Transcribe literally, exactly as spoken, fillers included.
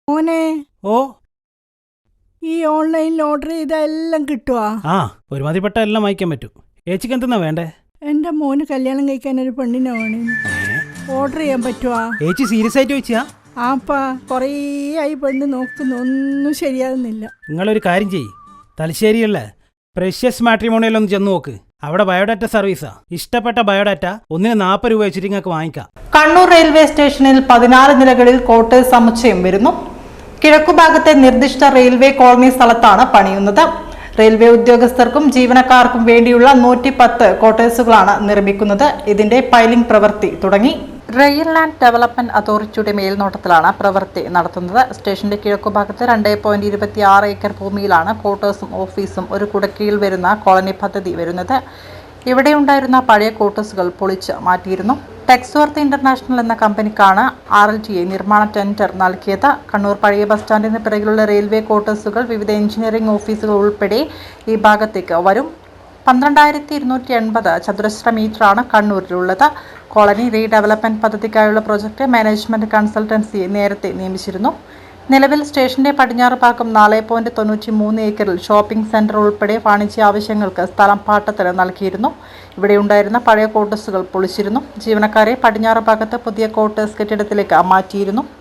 മോനെ, ഓ ഈ ഓൺലൈനിൽ ഓർഡർ ചെയ്ത എല്ലാം കിട്ടുവാ? ആ ഒരുമാതിരിപ്പെട്ട എല്ലാം വായിക്കാൻ പറ്റും. ഏച്ചിക്ക് എന്തെന്നാ വേണ്ടേ? എന്റെ മോന് കല്യാണം കഴിക്കാൻ ഒരു പെണ്ണിനെ വേണേ. ഓർഡർ ചെയ്യാൻ പറ്റുവാ? ഏച്ചി സീരിയസ് ആയിട്ട് ചോദിച്ചാ? ആപ്പാ, കുറേ ആയി പെണ്ണ് നോക്കുന്നു, ഒന്നും ശരിയാകുന്നില്ല. നിങ്ങളൊരു കാര്യം ചെയ്യ്, തലശ്ശേരിയല്ലേ പ്രഷ്യസ് മാട്രിമോണിയൽ ഒന്ന് ചെന്ന് നോക്ക്. അവിടെ ബയോഡാറ്റ സർവീസാ. ഇഷ്ടപ്പെട്ട ബയോഡാറ്റ ഒന്നിന് നാൽപ്പത് രൂപ വെച്ചിട്ട് നിങ്ങൾക്ക് വാങ്ങിക്കാം. കണ്ണൂർ റെയിൽവേ സ്റ്റേഷനിൽ പതിനാറ് നിലകളിൽ ക്വാർട്ടേഴ്സ് സമുച്ചയം വരുന്നു. കിഴക്കുഭാഗത്തെ നിർദ്ദിഷ്ട റെയിൽവേ കോളനി സ്ഥലത്താണ് പണിയുന്നത്. റെയിൽവേ ഉദ്യോഗസ്ഥർക്കും ജീവനക്കാർക്കും വേണ്ടിയുള്ള നൂറ്റി പത്ത് ക്വാർട്ടേഴ്സുകളാണ് നിർമ്മിക്കുന്നത്. ഇതിന്റെ പൈലിംഗ് പ്രവൃത്തി തുടങ്ങി. റെയിൽ ലാൻഡ് ഡെവലപ്മെന്റ് അതോറിറ്റിയുടെ മേൽനോട്ടത്തിലാണ് പ്രവൃത്തി നടത്തുന്നത്. സ്റ്റേഷന്റെ കിഴക്കുഭാഗത്ത് രണ്ട് പോയിന്റ് ഇരുപത്തി ആറ് ഏക്കർ ഭൂമിയിലാണ് ക്വാർട്ടേഴ്സും ഓഫീസും ഒരു കുടക്കീഴിൽ വരുന്ന കോളനി പദ്ധതി വരുന്നത്. ഇവിടെയുണ്ടായിരുന്ന പഴയ ക്വാർട്ടേഴ്സുകൾ പൊളിച്ച് മാറ്റിയിരുന്നു. ടെക്സ്വർത്ത് ഇന്റർനാഷണൽ എന്ന കമ്പനിക്കാണ് ആർ എൽ ടി എ നിർമ്മാണ ടെൻഡർ നൽകിയത്. കണ്ണൂർ പഴയ ബസ് സ്റ്റാൻഡിന് പിറകിലുള്ള റെയിൽവേ ക്വാർട്ടേഴ്സുകൾ വിവിധ എഞ്ചിനീയറിംഗ് ഓഫീസുകൾ ഉൾപ്പെടെ ഈ ഭാഗത്തേക്ക് വരും. പന്ത്രണ്ടായിരത്തി ഇരുന്നൂറ്റി എൺപത് ചതുരശ്ര മീറ്ററാണ് കണ്ണൂരിലുള്ളത്. കോളനി റീഡെവലപ്മെന്റ് പദ്ധതിക്കായുള്ള പ്രൊജക്ട് മാനേജ്മെന്റ് കൺസൾട്ടൻസിയെ നേരത്തെ നിയമിച്ചിരുന്നു. നിലവിൽ സ്റ്റേഷന്റെ പടിഞ്ഞാറ് ഭാഗം നാല് പോയിന്റ് തൊണ്ണൂറ്റി മൂന്ന് ഏക്കറിൽ ഷോപ്പിംഗ് സെന്റർ ഉൾപ്പെടെ വാണിജ്യ ആവശ്യങ്ങൾക്ക് സ്ഥലം പാട്ടത്തിന് നൽകിയിരുന്നു. ഇവിടെയുണ്ടായിരുന്ന പഴയ ക്വാർട്ടേഴ്സുകൾ പൊളിച്ചിരുന്നു. ജീവനക്കാരെ പടിഞ്ഞാറ് ഭാഗത്ത് പുതിയ ക്വാർട്ടേഴ്സ് കെട്ടിടത്തിലേക്ക് മാറ്റിയിരുന്നു.